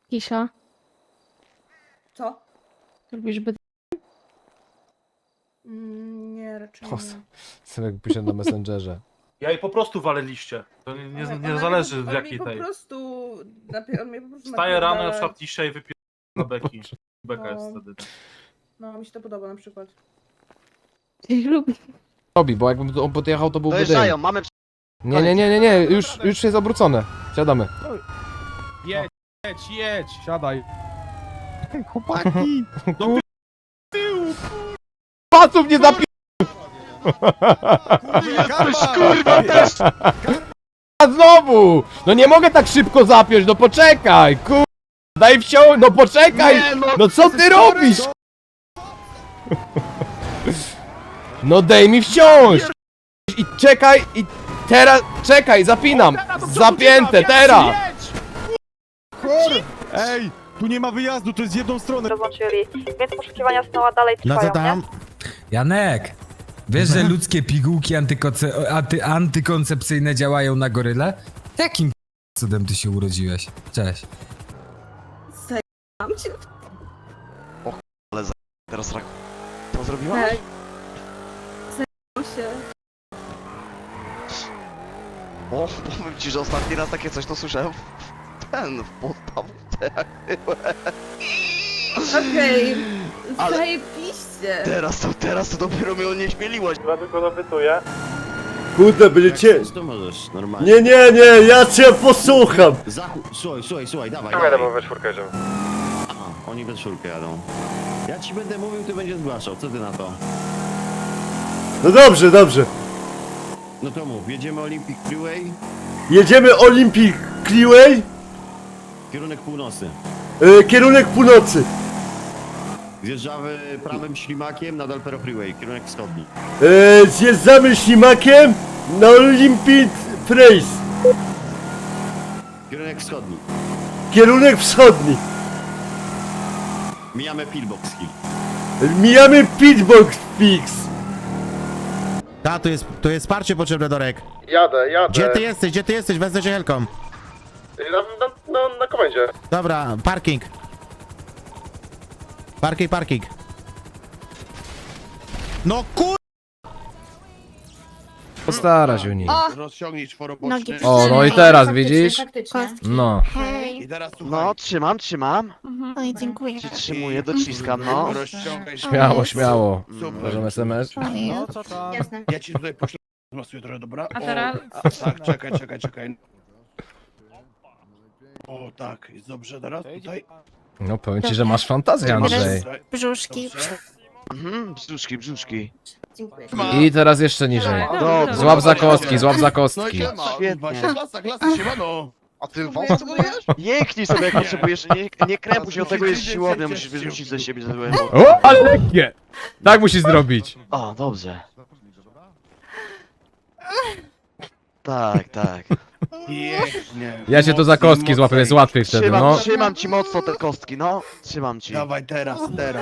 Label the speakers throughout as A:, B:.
A: Kisza,
B: Co?
A: lubisz by...
B: Nie, raczej
C: O,
B: nie.
C: Synek pisze na Messengerze.
D: Ja jej po prostu walę liście. To nie zależy w jakiej tej.
B: On mnie po prostu
D: Wstaję rano, na
B: napierdala.
D: przykład liście i wypiję na beki. Beka jest
B: No.
D: wtedy.
B: No, mi się to podoba na przykład.
A: Lubię.
C: Robi, bo jakbym on podjechał, to byłby
E: Dojeżdżają,
C: dym.
E: mamy...
C: Nie, już jest obrócone. Siadamy.
F: Jedź, siadaj.
E: Chłopaki!
C: Pasów nie zapi...
E: Kurwa, też!
C: A znowu! No nie mogę tak szybko zapiąć, no poczekaj! Kur... Daj wsiąść, no poczekaj!
E: Nie,
C: No co ty robisz? No daj mi wsiąść! I czekaj, i teraz, czekaj, zapinam! Zapięte, teraz!
F: Ej, tu nie ma wyjazdu, to jest z jedną stronę.
G: Rozłączyli, więc poszukiwania Snowa dalej trwają, nie?
H: Janek, wiesz, że ludzkie pigułki antykoncepcyjne działają na goryle? Jakim cudem ty się urodziłeś? Cześć.
B: Mam cię.
E: Teraz rak... Co zrobiłaś?
B: Tak. Zajmą się.
E: O, powiem ci, że ostatni raz takie coś to słyszałem w podstawce jak byłem.
B: Okej.
E: Ale-
B: Zajebiście.
E: Teraz to dopiero mnie onieśmieliłaś.
D: Ja tylko dopytuję.
I: Kurde, będziecie...
J: To możesz, normalnie.
I: Nie, ja cię posłucham!
J: Słuchaj, dawaj.
D: we czwórkę jedziemy.
J: Aha, oni we czwórkę jadą. Ja ci będę mówił, ty będziesz zgłaszał, co ty na to?
I: No dobrze.
J: No to mów, jedziemy Olympic Freeway,
I: Jedziemy Olympic Freeway,
J: kierunek północny.
I: kierunek północy.
J: Zjeżdżamy prawym ślimakiem na Dalpero Freeway, kierunek wschodni.
I: Zjeżdżamy ślimakiem na Olympic Freeway,
J: Kierunek wschodni.
I: kierunek wschodni.
J: Mijamy Pillbox Hill.
I: Mijamy Pitbox Fix.
K: Ta, tu jest wsparcie potrzebne, Dorek.
I: Jadę.
K: Gdzie ty jesteś? Wezmę cię helką.
I: Na komendzie.
K: Dobra, parking. Parking. No kur...
C: Postara się o niej.
J: Rozciągnij czworoboczny.
C: O, no i teraz, widzisz? No.
A: Hej.
J: I teraz
E: No, trzymam.
A: Oj, dziękuję.
E: Przytrzymuję, dociskam, no.
J: Rozciągaj się.
C: Śmiało. Możemy SMS?
J: No, co tam?
A: Jasne.
J: Ja ci tutaj poślę, zmasuję trochę, dobra?
A: A teraz?
J: Tak, czekaj. O, tak, jest dobrze, teraz tutaj.
C: No powiem ci, że masz fantazję, Andrzej.
A: Brzuszki.
E: Brzuszki.
B: Dziękuję.
C: I teraz jeszcze niżej.
B: Dobra.
C: Złap za kostki.
E: Świetnie.
J: Klasa, siemano.
E: A ty wąs budujesz? Jęknij sobie jak potrzebujesz, nie krępuj się, od tego jest siłownia, musisz wyrzucić ze siebie złe.
C: O, ale lekkie! Tak musisz zrobić.
E: O, dobrze. Tak.
J: Pięknie.
C: Ja cię to za kostki złapię, jest łatwiej wtedy, no.
E: Trzymam ci mocno te kostki, no. Trzymam ci.
J: Dawaj teraz.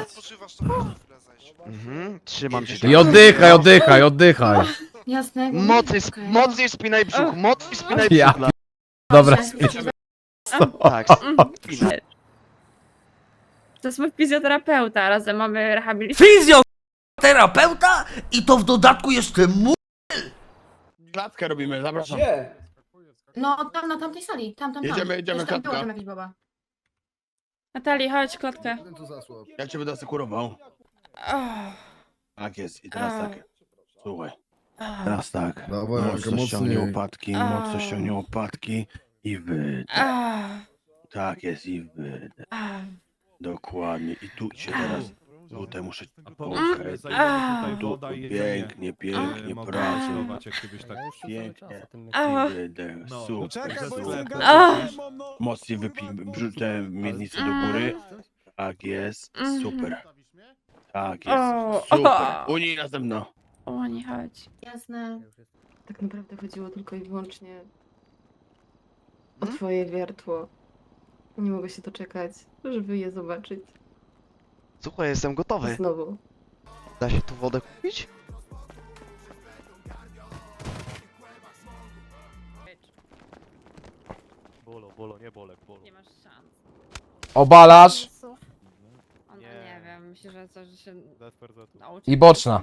E: Trzymam ci.
C: I oddychaj.
A: Jasne.
E: Mocniej spinaj brzuch,
C: Ja
E: brzuch.
C: Dobra,
E: Tak, spinaj.
G: To jest mój fizjoterapeuta, razem mamy rehabilitację.
H: Fizjoterapeuta? I to w dodatku jeszcze
J: Klatkę robimy, zapraszam.
B: No, tam na tamtej sali. Tam.
J: Jedziemy,
B: Jest tam
J: klatka.
B: było tam jakiś baba.
G: Natalii, chodź, klatkę.
J: Ja cię będę asekurował.
G: Oh,
J: Tak jest, i teraz
G: A.
J: tak. Słuchaj, teraz tak.
I: Dawaj,
J: Mocno ściągnij łopatki i wydech. Tak jest, i wydech. Dokładnie. I tu cię teraz, tutaj muszę popchać. Tu, pięknie, pracuj. Pięknie. I wydech, super. Mocniej wypij te miednice do góry. Tak jest, super. Tak jest, super. Unij na mną.
G: o, nie chodź.
B: Jasne. Tak naprawdę chodziło tylko i wyłącznie o twoje wiertło. Nie mogę się doczekać, żeby je zobaczyć
E: Słuchaj, jestem gotowy.
B: znowu.
E: Da się tu wodę kupić?
G: Nie masz szans.
C: obalasz
G: On, nie wiem, myślę, że coś że się nauczy.
C: i boczna.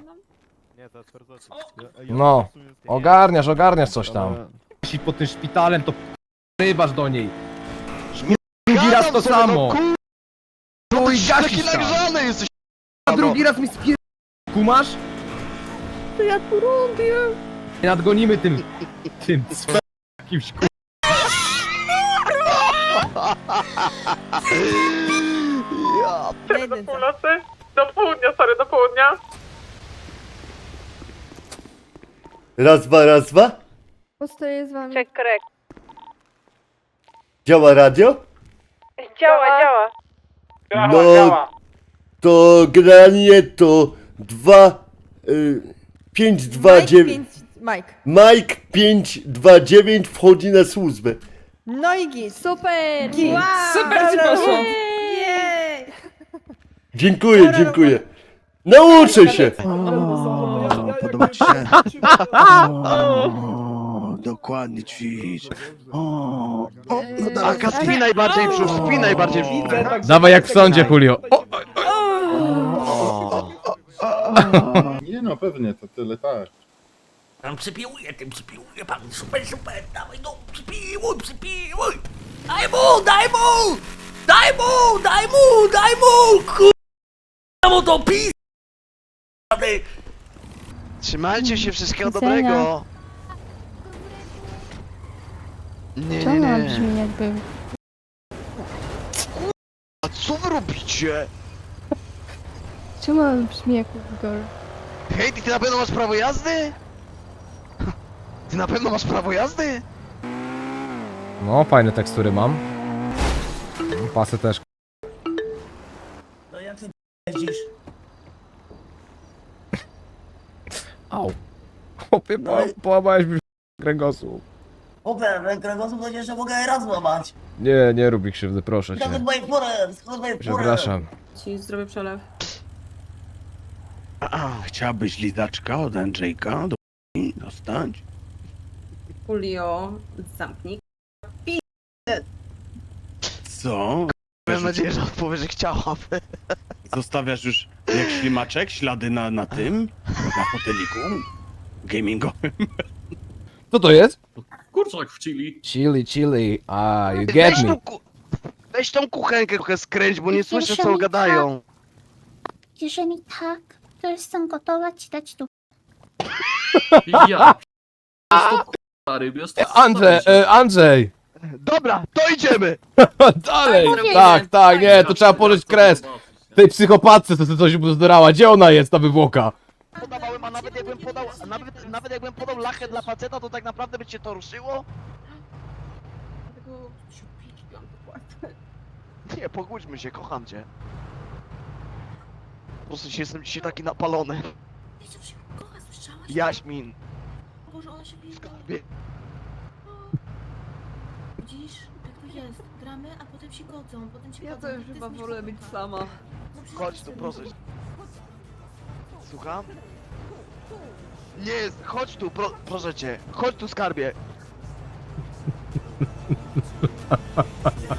C: No, ogarniasz coś tam.
F: Jeśli pod tym szpitalem, to rybasz do niej. Drugi raz to
E: Gadam sobie,
F: samo.
E: No
F: No
E: ty
F: i
E: taki
F: gasisz tam.
E: nagrzany jesteś.
F: A drugi raz mi spier... Kumasz?
A: To ja tu robię.
F: Nie nadgonimy tym jakimś ku...
E: Ja
G: Do
B: północy? Do południa, sorry, do południa.
I: Raz, dwa.
A: Postoję z wami.
G: Check correct.
I: Działa radio?
G: Działa.
I: No, to generalnie to 529.
A: Mike.
I: Mike 529 wchodzi na służbę.
A: No i git. Super. Git.
G: Super ci poszło.
A: Jej.
I: Dziękuję. Nauczę się.
J: O, podoba ci się? O, dokładnie ćwicz. O, no tak.
E: Aga, spij najbardziej brzuch, spij najbardziej brzuch.
C: Dawaj jak w sądzie, Julio. O,
I: Nie no, pewnie, to tyle tak.
J: Pan przypiłuje, pan. Super, dawaj no, przypiłuj. Daj mu, kurwa mu to pis.
E: Trzymajcie się, wszystkiego
A: Widzenia.
E: dobrego. Nie.
A: jakby...
E: A co wy robicie?
A: Czemu on brzmi jak Igor?
E: Hej, ty na pewno masz prawo jazdy? Ty na pewno masz prawo jazdy?
C: no, fajne tekstury mam. Pasy też.
J: No jak ty jeździsz?
C: Au. Chłopie, połamałeś mi kręgosłup.
J: Oper, kręgosłup to jeszcze mogę raz złamać.
C: Nie rób mi krzywdy, proszę cię.
J: Skąd moje
C: Przepraszam.
G: Ci zrobię przelew.
J: Chciałabyś lizaczka od Andrzejka do dostać?
G: Julio, zamknij.
J: Co?
E: Mam nadzieję, że odpowie, że chciałaby.
J: Zostawiasz już jak ślimaczek ślady na tym? Na foteliku? Gamingowym?
C: Co to jest?
D: Kurczak w chili.
C: Chili. You get me.
E: Weź tą kuchenkę trochę skręć, bo nie słyszę co gadają.
A: Jeżeli tak, to jestem gotowa ci dać tu.
D: Ja. Stary, jest to
C: Andrzej!
E: Dobra, to idziemy!
C: Dalej!
G: Tak,
C: Tak, nie, to trzeba położyć kres. Tej psychopatce, co coś bzdurała. Gdzie ona jest, ta wywłoka?
E: Podawałem, a nawet jakbym podał, nawet jakbym podał lachę dla faceta, to tak naprawdę by cię to ruszyło? Nie, pogódźmy się, kocham cię. Po prostu jestem dzisiaj taki napalony. Jaśmin.
B: Boże, ona się bije.
E: Skarbie.
B: Widzisz, tak to jest. Gramy, a potem się godzą, potem się
G: Ja
B: godzą.
G: to już chyba wolę być sama.
E: Chodź tu, proszę. Słucham? Nie jest, chodź tu, proszę cię. Chodź tu, skarbie.